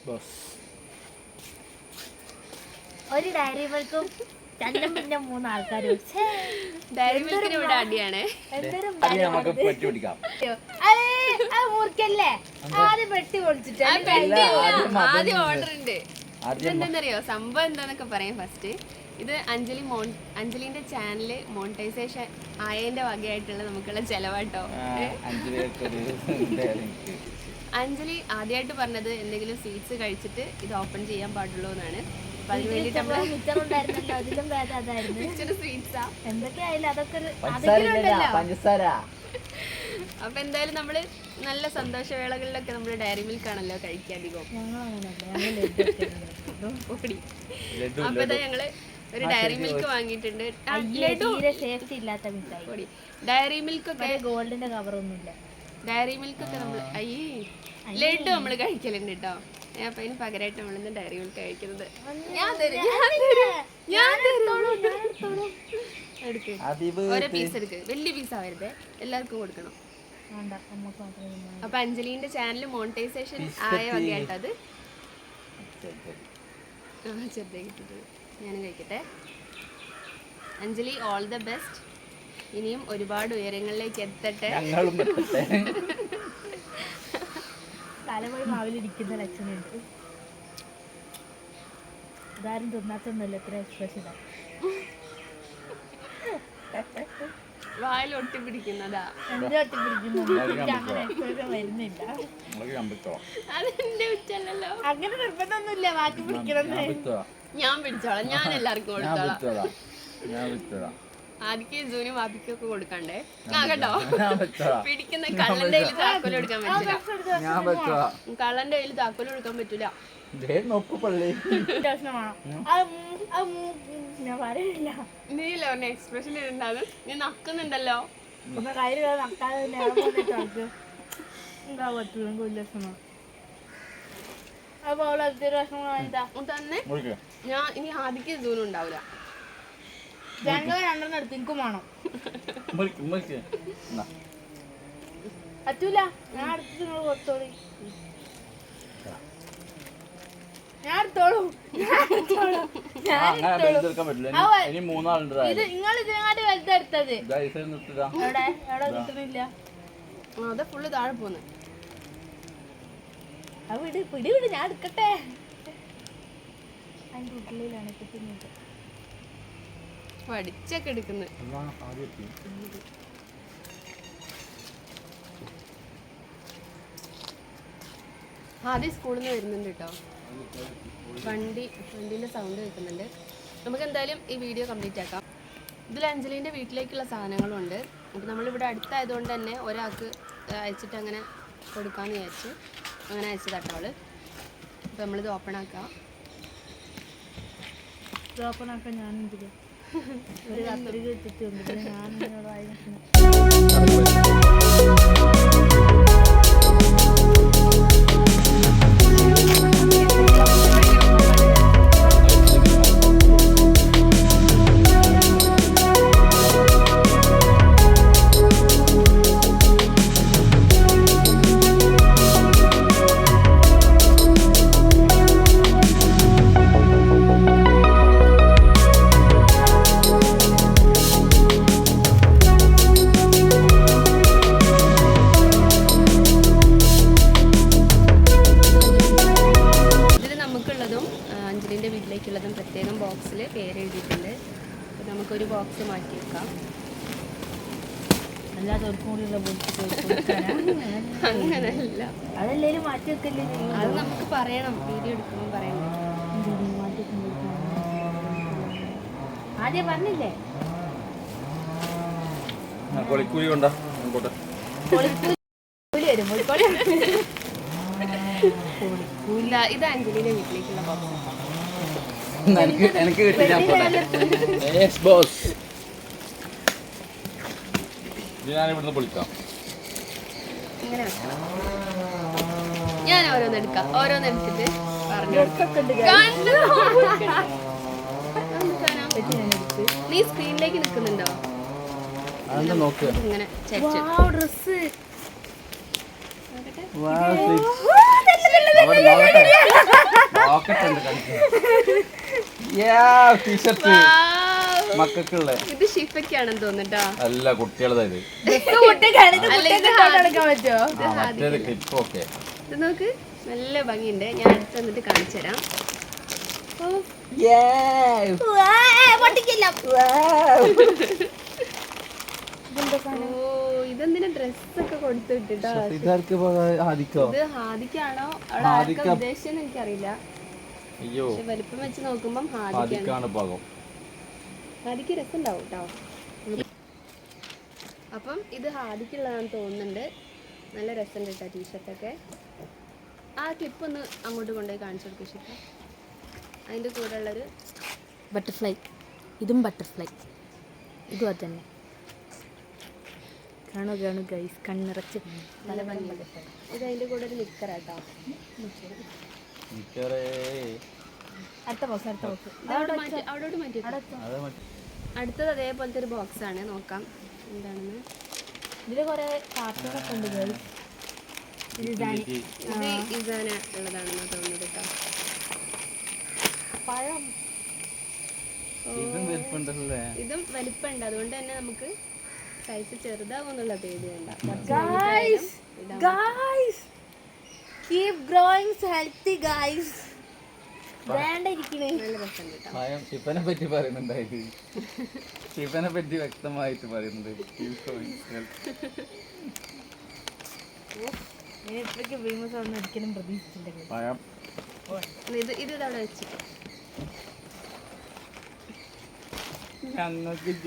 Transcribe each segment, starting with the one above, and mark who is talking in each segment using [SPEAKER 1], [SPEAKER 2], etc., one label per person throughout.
[SPEAKER 1] ഒരു ഡയറി മിൽക്കും രണ്ടും പിന്നെ 3 ആൾക്കാർ
[SPEAKER 2] ഡയറി മിൽക്കിന് ഇവിടെ അടിയാണ്.
[SPEAKER 1] മുറിക്കല്ലേ ആദ്യം പെട്ടി പൊളിച്ചിട്ട്
[SPEAKER 2] ആദ്യം ഓർഡർ ഉണ്ട്. ഇതെന്താന്നറിയോ സംഭവം എന്താന്നൊക്കെ പറയാം. ഫസ്റ്റ് ഇത് അഞ്ജലിന്റെ ചാനല് മോണിറ്റൈസേഷൻ ആയതിന്റെ വകയായിട്ടുള്ള നമുക്കുള്ള ചെലവാട്ടോ. അഞ്ജലി ആദ്യമായിട്ട് പറഞ്ഞത് എന്തെങ്കിലും സ്വീറ്റ്സ് കഴിച്ചിട്ട് ഇത് ഓപ്പൺ ചെയ്യാൻ പാടുള്ളൂ എന്നാണ്. അപ്പൊ അതിന് വേണ്ടിട്ട് അപ്പൊ എന്തായാലും നമ്മള് നല്ല സന്തോഷവേളകളിലൊക്കെ നമ്മള് ഡയറി മിൽക്ക് ആണല്ലോ കഴിക്കുക അധികം. അപ്പൊ ഞങ്ങള് ഒരു ഡയറി മിൽക്ക് വാങ്ങിയിട്ടുണ്ട്. ഡയറി മിൽക്ക് ഒക്കെ
[SPEAKER 1] ഗോൾഡിന്റെ കവറൊന്നുമില്ല.
[SPEAKER 2] ഡയറി മിൽക്ക് ഒക്കെ നമ്മള് ലഡു നമ്മള് കഴിക്കലുണ്ട് കേട്ടോ. അപ്പൊ അതിന് പകരമായിട്ട് നമ്മളിന്ന് ഡയറി മിൽക്ക് കഴിക്കുന്നത്. ഓരോ പീസ് എടുക്ക്. വലിയ പീസ് ആവരുത്, എല്ലാവർക്കും കൊടുക്കണം. അപ്പൊ അഞ്ജലിന്റെ ചാനൽ മോണിറ്റൈസേഷൻ ആയ വകയായിട്ടത് ചെറുതായിട്ട് ഞാൻ കഴിക്കട്ടെ. Anjali all the best. ഇനിയും ഒരുപാട് ഉയരങ്ങളിലേക്ക് എത്തട്ടെ.
[SPEAKER 1] തലമുറി മാവിലിരിക്കുന്ന ലക്ഷണമുണ്ട്. ഇതാരും തിന്നാത്തൊന്നുമല്ല ഇത്ര എക്സ്പ്രഷൻ.
[SPEAKER 2] വായിൽ ഒട്ടിപ്പിടിക്കുന്നതാ.
[SPEAKER 1] എന്റെ ഒട്ടിപ്പിടിക്കുന്നു അങ്ങനെ എക്സ്പ്രഷൻ വരുന്നില്ല.
[SPEAKER 2] അതെന്റെ ഉച്ചല്ലോ.
[SPEAKER 1] അങ്ങനെ നിർബന്ധമൊന്നുമില്ല ബാക്കി പിടിക്കണം.
[SPEAKER 2] ഞാൻ പിടിച്ചോളാം. ഞാൻ എല്ലാവർക്കും കൊടുത്തോളാം. ആദ്യം ജൂനും വാപ്പിക്കും ഒക്കെ കൊടുക്കണ്ടേ. കേട്ടോ പിടിക്കുന്ന കള്ളന്റെ കയ്യിൽ താക്കോല് കൊടുക്കാൻ പറ്റില്ല. കള്ളന്റെ കയ്യിൽ താക്കോല് കൊടുക്കാൻ പറ്റൂല. നീല്ലോ എക്സ്പ്രഷൻ ഇടണ്ടാന്ന്. നീ നക്കുന്നുണ്ടല്ലോ. തന്നെ ഞാൻ ഇനി ആദ്യം ജൂനും ഉണ്ടാവില്ല.
[SPEAKER 1] രണ്ടെണ്ണം എടുത്ത് എനിക്കും വേണം. പറ്റൂല. ഞാൻ അടുത്ത് നിങ്ങൾ കൊടുത്തോളൂ. ഞാൻ എടുത്തോളൂ. ഇത് നിങ്ങൾ ഇതിനെക്കാട്ടി വലുതെടുത്തത് എവിടെ എവിടെ കിട്ടുന്നില്ല.
[SPEAKER 2] അത് ഫുള്ള് താഴെ പോന്ന്.
[SPEAKER 1] വിട് പിടി വിട് ഞാൻ എടുക്കട്ടെ. അതിൻ്റെ ഉള്ളിലാണ് കിട്ടുന്നത്.
[SPEAKER 2] പഠിച്ചൊക്കെ എടുക്കുന്നത്. ആദ്യം സ്കൂളിൽ നിന്ന് വരുന്നുണ്ട് കേട്ടോ. വണ്ടീൻ്റെ സൗണ്ട് കേൾക്കുന്നുണ്ട്. നമുക്ക് എന്തായാലും ഈ വീഡിയോ കംപ്ലീറ്റ് ആക്കാം. ഇതിൽ അഞ്ജലിൻ്റെ വീട്ടിലേക്കുള്ള സാധനങ്ങളും ഉണ്ട്. അപ്പോൾ നമ്മളിവിടെ അടുത്തായതുകൊണ്ട് തന്നെ ഒരാൾക്ക് അയച്ചിട്ട് അങ്ങനെ കൊടുക്കാമെന്ന് വിചാരിച്ച് അങ്ങനെ അയച്ചതാട്ടോ അവള്. അപ്പോൾ നമ്മളിത് ഓപ്പൺ ആക്കാം.
[SPEAKER 1] ഞാനെന്തില്ല ഒരു കത്രിക ഇട്ടിട്ടുണ്ട്. ഞാൻ
[SPEAKER 2] വീട്ടിലേക്കുള്ളതും പ്രത്യേകം ബോക്സിൽ പേര് എഴുതിയിട്ടുണ്ട്. അപ്പോൾ നമുക്കൊരു ബോക്സ് മാറ്റി വെക്കാം. അങ്ങനല്ല,
[SPEAKER 1] അതല്ലേലും മാറ്റി വെക്കല്ലേ.
[SPEAKER 2] അത് നമുക്ക് പറയണം, വീഡിയോ എടുക്കുമ്പോൾ പറയണം.
[SPEAKER 1] ആദ്യം പറഞ്ഞില്ലേ
[SPEAKER 2] ഇത് അഞ്ജലിയുടെ വീട്ടിലേക്കുള്ള ബോക്സ്.
[SPEAKER 3] എനിക്ക് കിട്ടില്ല. ഞാനിവിടുന്ന് പൊളിക്കാം.
[SPEAKER 2] ഇങ്ങനെ വെക്കണം. ഞാൻ ഓരോന്നെടുക്കാം. ഓരോന്നെടുത്തിട്ട് പറഞ്ഞു. നീ സ്ക്രീനിലേക്ക് നിൽക്കുന്നുണ്ടോ? ഇങ്ങനെ
[SPEAKER 1] ഡ്രസ്
[SPEAKER 3] ടീഷർട്ട് മക്കൾക്കുള്ള
[SPEAKER 2] ഇത് ഷിഫയ്ക്കാണെന്ന് തോന്നുട്ടോ.
[SPEAKER 3] അല്ല കുട്ടികളത്
[SPEAKER 1] നടക്കാൻ പറ്റുമോ?
[SPEAKER 3] മറ്റേത് ക്ലിപ്പ് ഒക്കെ
[SPEAKER 2] ഇത് നോക്ക് നല്ല ഭംഗിയുണ്ട്. ഞാൻ അടുത്ത് വന്നിട്ട് കാണിച്ചു തരാം. ഇതെന്തിനാ ഡ്രസ്സൊക്കെ കൊടുത്തു വിട്ടിട്ടോ. ഇത് ഹാദിക്കാണോ അവിടെ ആർക്കാ ഉദ്ദേശിച്ചെന്ന് എനിക്കറിയില്ല.
[SPEAKER 3] അയ്യോ
[SPEAKER 2] പക്ഷെ വലിപ്പം വെച്ച് നോക്കുമ്പം
[SPEAKER 3] ഹാദിക്കാണ് പാകം.
[SPEAKER 2] ഹാദിക്ക് രസം ഉണ്ടാവും കേട്ടോ. അപ്പം ഇത് ഹാദിക്കുള്ളതാണെന്ന് തോന്നുന്നുണ്ട്. നല്ല രസമുണ്ട് കേട്ടോ ടീഷർട്ടൊക്കെ. ആ ക്ലിപ്പ് ഒന്ന് അങ്ങോട്ട് കൊണ്ടുപോയി കാണിച്ചു കൊടുക്കും ഷിപ്പ. അതിൻ്റെ കൂടെ ഉള്ളൊരു
[SPEAKER 1] ബട്ടർഫ്ലൈ. ഇതും ബട്ടർഫ്ലൈ. ഇതും അത് തന്നെ. കാണു ഗൈസ്, കണ്ണിറച്ച്
[SPEAKER 2] നല്ല ഭംഗിയുണ്ട്. ഇത് അതിൻ്റെ കൂടെ ഒരു നിക്കറാട്ടോ.
[SPEAKER 1] അടുത്ത ബോക്സ്
[SPEAKER 2] അവിടോട്ട് മാറ്റി. അടുത്തത് അതേപോലത്തെ ഒരു ബോക്സ് ആണ്. നോക്കാം എന്താണെന്ന്.
[SPEAKER 1] ഇതില് കുറെ കാർട്ടൂണൊക്കെ ഉണ്ട് ഗൈസ്.
[SPEAKER 2] ഇത് ഇസാന ഉള്ളതാണെന്ന് തോന്നുന്നത് കേട്ടോ.
[SPEAKER 1] പഴം.
[SPEAKER 3] ഇതും വലിപ്പുണ്ടല്ലേ.
[SPEAKER 2] ഇതും വലിപ്പമുണ്ട്. അതുകൊണ്ട് തന്നെ നമുക്ക് സൈസ് ചെറുതാവുന്നുള്ള പേടി വേണ്ട.
[SPEAKER 1] Guys, keep growing healthy guys. വേണ്ട ഇരിക്കണേ.
[SPEAKER 2] നല്ല രസമുണ്ട് കേട്ടോ.
[SPEAKER 3] ഭയം ഷിപ്പനെ പറ്റി പറയുന്നുണ്ടായത്. ഷിപ്പനെ പറ്റി വ്യക്തമായിട്ട് പറയുന്നുണ്ട്.
[SPEAKER 1] ഇത്രയ്ക്ക് ഫേമസ് ആണെന്ന് ഒരിക്കലും പ്രതീക്ഷിച്ചില്ല.
[SPEAKER 3] ഭയം
[SPEAKER 2] ഇത് അവിടെ വെച്ചിട്ടോ.
[SPEAKER 3] ഞങ്ങൾക്ക്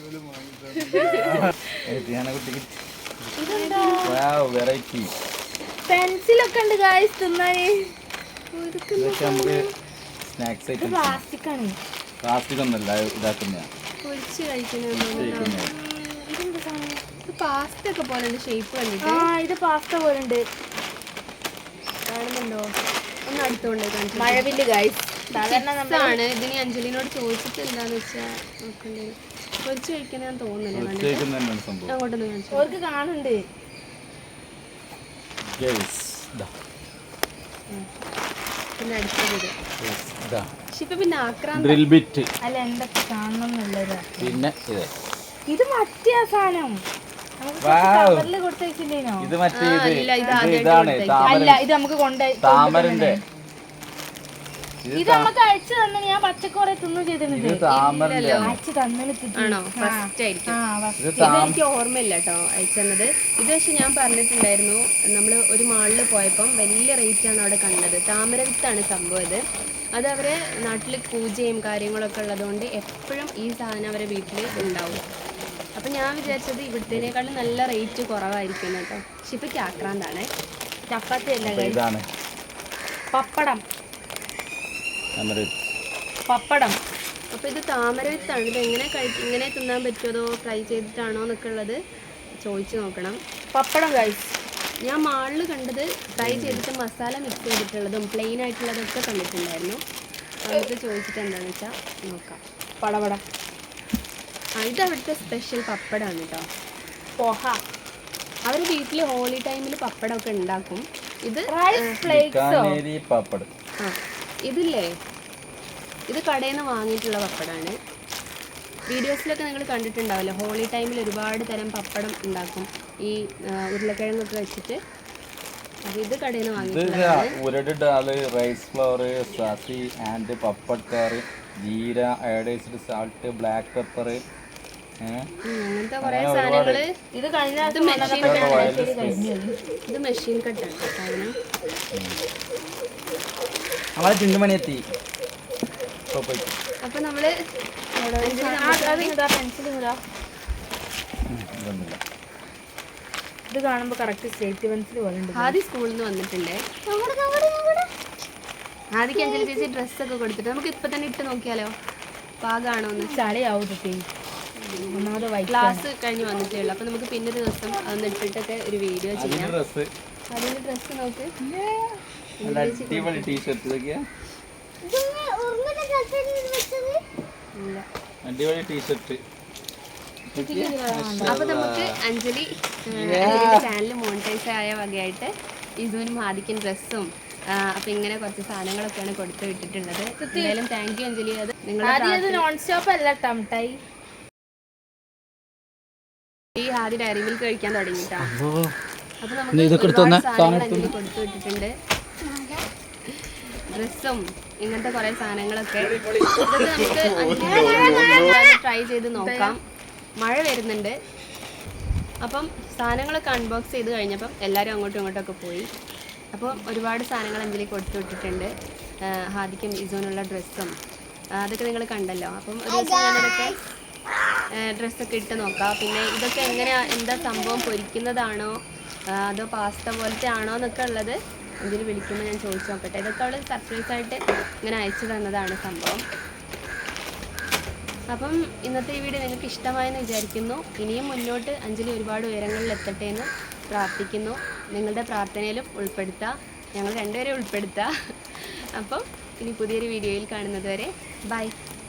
[SPEAKER 3] വെറൈറ്റി
[SPEAKER 1] പെൻസിലൊക്കെ ഉണ്ട് ഗൈസ് തിന്നാന്.
[SPEAKER 3] ഇതൊക്കെ നമുക്ക് സ്നാക്സ് ഐറ്റം.
[SPEAKER 1] പ്ലാസ്റ്റിക് ആണ്.
[SPEAKER 3] പ്ലാസ്റ്റിക് ഒന്നല്ല ഇതാക്കുന്ന
[SPEAKER 2] പൊരിച്ച് കഴിക്കുന്ന പാസ്ത ഒക്കെ പോലെ ഷേപ്പ് കണ്ടിട്ട്.
[SPEAKER 1] ഇത് പാസ്ത പോലെ ഉണ്ട്.
[SPEAKER 2] കാണുന്നുണ്ടോ? ഒന്ന് അടുത്തോണ്ട് കാണിച്ചു.
[SPEAKER 1] മഴവില്ല് ഗൈസ്. സാധാരണ
[SPEAKER 2] ആണ്. ഇതിന് അഞ്ജലിനോട് ചോദിച്ചിട്ട് എന്താന്ന് വെച്ചാ നോക്കണ്ടേ. പൊരിച്ച് കഴിക്കാൻ ഞാൻ തോന്നുന്നില്ല. അങ്ങോട്ടൊന്ന് കാണിച്ചു.
[SPEAKER 1] അവർക്ക് കാണുന്നുണ്ട്.
[SPEAKER 2] പിന്നെ അടുത്തത് ഷിപ്പ പിന്നെ ആക്രാന്ത.
[SPEAKER 3] Drill bit.
[SPEAKER 1] അല്ല എന്തൊക്കെ കാണണമെന്നുള്ളത്.
[SPEAKER 3] പിന്നെ
[SPEAKER 1] ഇത് മറ്റേ സാധനം കൊടുത്ത വെച്ചില്ലേനോ?
[SPEAKER 3] ഇത് മറ്റേ
[SPEAKER 2] ഇതാണ്
[SPEAKER 1] അല്ല ഇത് നമുക്ക് കൊണ്ടുപോയി
[SPEAKER 3] താമരന്റെ.
[SPEAKER 1] ഇത് നമുക്ക് അയച്ചു തന്നെ. ഞാൻ പച്ചക്കറി തിന്നു ചെയ്തിട്ടുണ്ട്. അയച്ചു
[SPEAKER 2] ആണോ? ഫസ്റ്റ് ആയിരിക്കും. ഇതെനിക്ക് ഓർമ്മയില്ല കേട്ടോ അയച്ചത്. ഇത് പക്ഷെ ഞാൻ പറഞ്ഞിട്ടുണ്ടായിരുന്നു. നമ്മൾ ഒരു മാളിൽ പോയപ്പം വലിയ റേറ്റാണ് അവിടെ കണ്ടത്. താമര വിത്താണ് സംഭവം. അത് അവരെ നാട്ടിൽ പൂജയും കാര്യങ്ങളൊക്കെ ഉള്ളതുകൊണ്ട് എപ്പോഴും ഈ സാധനം അവരെ വീട്ടിൽ ഉണ്ടാവും. അപ്പം ഞാൻ വിചാരിച്ചത് ഇവിടുത്തേനേക്കാളും നല്ല റേറ്റ് കുറവായിരിക്കും കേട്ടോ. പക്ഷെ ഇപ്പം ആക്രാന്താണ്.
[SPEAKER 1] ചപ്പാത്തി അല്ല പപ്പടം. പപ്പടം.
[SPEAKER 2] അപ്പോൾ ഇത് താമര വിത്താണ്. ഇത് ഇങ്ങനെ തിന്നാൻ പറ്റുമോ അതോ ഫ്രൈ ചെയ്തിട്ടാണോ എന്നൊക്കെ ഉള്ളത് ചോദിച്ചു നോക്കണം.
[SPEAKER 1] പപ്പടം ഗൈസ്.
[SPEAKER 2] ഞാൻ മാളിൽ കണ്ടത് ഫ്രൈ ചെയ്തിട്ട് മസാല മിക്സ് ചെയ്തിട്ടുള്ളതും പ്ലെയിൻ ആയിട്ടുള്ളതൊക്കെ കണ്ടിട്ടുണ്ടായിരുന്നു. നമുക്ക് ചോദിച്ചിട്ട് എന്താണെന്ന് വെച്ചാൽ നോക്കാം.
[SPEAKER 1] പടപട.
[SPEAKER 2] ഇത് അവിടുത്തെ സ്പെഷ്യൽ പപ്പടമാണ് കേട്ടോ.
[SPEAKER 1] പോഹ.
[SPEAKER 2] അവർ വീട്ടിൽ ഹോളി ടൈമിൽ പപ്പടമൊക്കെ ഉണ്ടാക്കും. ഇത്
[SPEAKER 3] പപ്പടം.
[SPEAKER 2] ഇതില്ലേ, ഇത് കടയിൽ നിന്ന് വാങ്ങിയിട്ടുള്ള പപ്പടമാണ്. വീഡിയോസിലൊക്കെ നിങ്ങൾ കണ്ടിട്ടുണ്ടാവില്ല. ഹോളി ടൈമിൽ ഒരുപാട് തരം പപ്പടം ഉണ്ടാക്കും ഈ ഉരുളക്കിഴങ്ങൊക്കെ വെച്ചിട്ട്. അപ്പോൾ ഇത് കടയിൽ നിന്ന് വാങ്ങിയിട്ടുള്ളതാണ്.
[SPEAKER 3] ഉരുട് ഡാല്, റൈസ് ഫ്ലോർ, സാസി ആൻഡ് പപ്പടക്കാർ, jeera, iodised salt, black pepper,
[SPEAKER 2] അങ്ങനത്തെ കുറേ സാധനങ്ങൾ. ഇത് മെഷീൻ കട്ടാണ് സാധനം.
[SPEAKER 3] ചിന്തുമണിയെത്തി.
[SPEAKER 2] അപ്പൊ നമ്മള്
[SPEAKER 1] ഇത് കാണുമ്പോ കറക്റ്റ് സ്റ്റേറ്റ് പെൻസിൽ പോലെ ഉണ്ട്.
[SPEAKER 2] ആദ്യം സ്കൂളിൽ നിന്ന് വന്നിട്ടുണ്ട്. ആദ്യം അഞ്ജലി ചേച്ചി ഡ്രസ്സൊക്കെ കൊടുത്തിട്ട് നമുക്ക് ഇപ്പൊ തന്നെ ഇട്ട് നോക്കിയാലോ പാകാണോ എന്ന്.
[SPEAKER 1] ചളിയാവും.
[SPEAKER 2] ക്ലാസ് കഴിഞ്ഞ് വന്നിട്ടേ ഉള്ളൂ. അപ്പൊ നമുക്ക് പിന്നെ ഒരു ദിവസം അതൊന്ന് ഇട്ടിട്ടൊക്കെ ഒരു വീഡിയോ ചെയ്യാം. അതിന്റെ ഡ്രസ്സ് നോക്ക്.
[SPEAKER 3] അടിപൊളി ടീഷർട്ട്. അടിപൊളി ടീഷർട്ട്.
[SPEAKER 2] അപ്പൊ നമുക്ക് അഞ്ജലി ചാനൽ മോണിറ്റൈസ് ആയ വകയായിട്ട് ഇതുവിനും ആദിക്കും ഡ്രസ്സും അപ്പം ഇങ്ങനെ കുറച്ച് സാധനങ്ങളൊക്കെയാണ് കൊടുത്തു വിട്ടിട്ടുള്ളത്. എന്തായാലും താങ്ക് യു അഞ്ജലി. അത്
[SPEAKER 1] ആദ്യം ഇത് നോൺ സ്റ്റോപ്പ് അല്ല ടംടൈ.
[SPEAKER 2] ഈ ആദ്യം ഡയറി മിൽക്ക് കഴിക്കാൻ തുടങ്ങിയിട്ടാ. അപ്പൊ നമുക്ക് ഒരുപാട് സാധനങ്ങൾ അഞ്ജലി കൊടുത്തു വിട്ടിട്ടുണ്ട്. ഡ്രസ്സും ഇങ്ങനത്തെ കുറെ സാധനങ്ങളൊക്കെ. ഇതൊക്കെ നമുക്ക് ട്രൈ ചെയ്ത് നോക്കാം. മഴ വരുന്നുണ്ട്. അപ്പം സാധനങ്ങളൊക്കെ അൺബോക്സ് ചെയ്ത് കഴിഞ്ഞപ്പം എല്ലാവരും അങ്ങോട്ടും ഇങ്ങോട്ടൊക്കെ പോയി. അപ്പം ഒരുപാട് സാധനങ്ങൾ അഞ്ജലി കൊടുത്തു വിട്ടിട്ടുണ്ട്. ഹാദിക്കും ഇസോനുള്ള ഡ്രസ്സും അതൊക്കെ നിങ്ങൾ കണ്ടല്ലോ. അപ്പം ഒരു ദിവസം ഞാനതൊക്കെ ഡ്രസ്സൊക്കെ ഇട്ട് നോക്കാം. പിന്നെ ഇതൊക്കെ എന്താ സംഭവം, പൊരിക്കുന്നതാണോ അതോ പാസ്ത പോലത്തെ ആണോ എന്നൊക്കെ ഉള്ളത് അഞ്ജലി വിളിക്കുമ്പോൾ ഞാൻ ചോദിച്ചു നോക്കട്ടെ. ഇതൊക്കെ അവൾ സർപ്രൈസായിട്ട് ഇങ്ങനെ അയച്ചു തന്നതാണ് സംഭവം. അപ്പം ഇന്നത്തെ ഈ വീഡിയോ നിങ്ങൾക്ക് ഇഷ്ടമായെന്ന് വിചാരിക്കുന്നു. ഇനിയും മുന്നോട്ട് അഞ്ജലി ഒരുപാട് ഉയരങ്ങളിൽ എത്തട്ടെ എന്ന് പ്രാർത്ഥിക്കുന്നു. നിങ്ങളുടെ പ്രാർത്ഥനയിലും ഉൾപ്പെടുത്തുക, ഞങ്ങൾ രണ്ടുപേരെ ഉൾപ്പെടുത്തുക. അപ്പം ഇനി പുതിയൊരു വീഡിയോയിൽ കാണുന്നത് വരെ ബൈ.